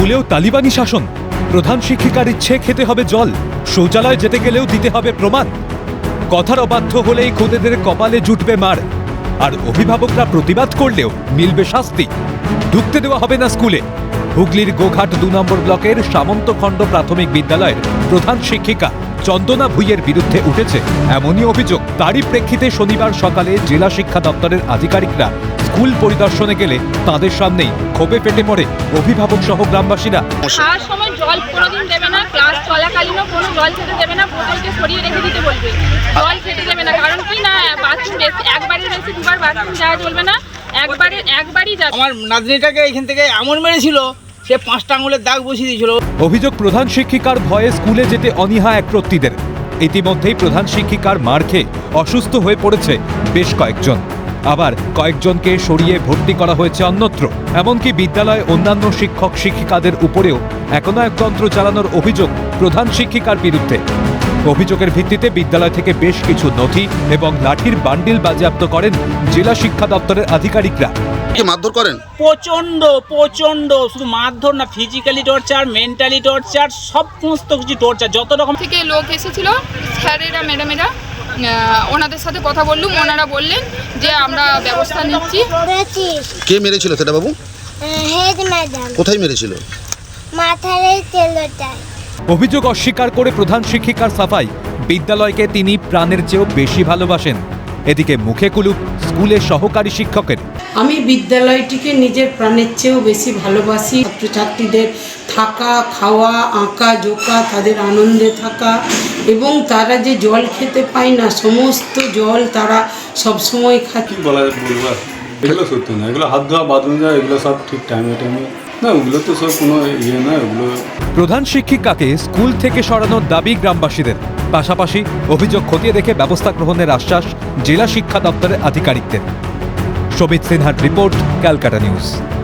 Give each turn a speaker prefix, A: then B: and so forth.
A: স্কুলেও তালিবানি শাসন। প্রধান শিক্ষিকার ইচ্ছে খেতে হবে জল, শৌচালয় যেতে গেলেও দিতে হবে প্রমাণ। কথার অবাধ্য হলেই খোদেদের কপালে জুটবে মার, আর অভিভাবকরা প্রতিবাদ করলেও মিলবে শাস্তি। ঢুকতে দেওয়া হবে না স্কুলে। হুগলির গোঘাট 2 নম্বর ব্লকের সামন্তখণ্ড প্রাথমিক বিদ্যালয়ের প্রধান শিক্ষিকা চন্দনা ভুইয়ের বিরুদ্ধে উঠেছে এমনই অভিযোগ। তারই প্রেক্ষিতে শনিবার সকালে জেলা শিক্ষা দপ্তরের আধিকারিকরা স্কুল পরিদর্শনে গেলে তাদের সামনেই ক্ষোভে ফেটে পড়ে অভিভাবক সহ গ্রামবাসীরা।
B: খাওয়ার সময় জল কোনোদিন দেবে না, ক্লাস চলাকালীনও কোনো জল খেতে দেবে না, বোতলকে সরিয়ে রেখে দিতে বলবে। জল খেতে দেবে না, কারণ কি না বাথরুম একবারের বেশি দুবার বাথরুম যাওয়া চলবে না, একবারই যাবে।
C: আমার নাতনিটাকে এখান থেকে এমন মেরেছিল, সে 5টা আঙুলের দাগ বসিয়ে দিয়েছিল।
A: অভিযোগ, প্রধান শিক্ষিকার ভয়ে স্কুলে যেতে অনীহা একরত্তিদের। ইতিমধ্যেই প্রধান শিক্ষিকার মার খেয়ে অসুস্থ হয়ে পড়েছে বেশ কয়েকজন, আবার কয়েকজনকে সরিয়ে ভর্তি করা হয়েছে অন্যত্র। এমনকি বিদ্যালয়ে অন্যান্য শিক্ষক শিক্ষিকাদের উপরেও একনায়কতন্ত্র চালানোর অভিযোগ প্রধান শিক্ষিকার বিরুদ্ধে। অভিযোগের ভিত্তিতে বিদ্যালয় থেকে বেশ কিছু নথি এবং লাঠির বান্ডিল বাজেয়াপ্ত করেন জেলা শিক্ষা দপ্তরের আধিকারিকরা।
D: মারধর করেন?
C: প্রচন্ড শুধু মারধর না, ফিজিক্যালি টর্চার, মেন্টালি টর্চার, সমস্ত কিছু টর্চার, যত রকম
B: থেকে লোক এসেছিল, স্যারেরা ম্যাডামেরা, ওনাদের সাথে কথা বললুম। ওনারা বললেন যে আমরা ব্যবস্থা নিচ্ছি।
D: কে মেরেছিল সেটা বাবু?
E: Head madam.
D: কোথায় মেরেছিল?
E: মাথায় তেলটায়।
A: অভিযোগ অস্বীকার করে প্রধান শিক্ষিকার সাফাই, বিদ্যালয়কে তিনি প্রাণের চেয়েও বেশি ভালোবাসেন। এদিকে মুখে কুলুপ স্কুলের সহকারী শিক্ষকের।
F: আমি বিদ্যালয়টিকে নিজের প্রাণের চেয়েও বেশি ভালোবাসি। ছাত্রছাত্রীদের থাকা, খাওয়া, আঁকা জোকা, তাদের আনন্দে থাকা, এবং তারা যে জল খেতে পায় না, সমস্ত জল তারা সবসময় খায়।
G: বলবো এগুলো সত্যি না, এগুলো হাত ধোয়া, বাথরুম যাওয়া, এগুলো সব ঠিক টাইমে না, ওগুলো তো সব কোনো ইয়ে না। ওগুলো
A: প্রধান শিক্ষিকাকে স্কুল থেকে সরানোর দাবি গ্রামবাসীদের। পাশাপাশি অভিযোগ খতিয়ে দেখে ব্যবস্থা গ্রহণের আশ্বাস জেলা শিক্ষা দপ্তরের আধিকারিকদের। শোভিত সিনহার রিপোর্ট, ক্যালকাটা নিউজ।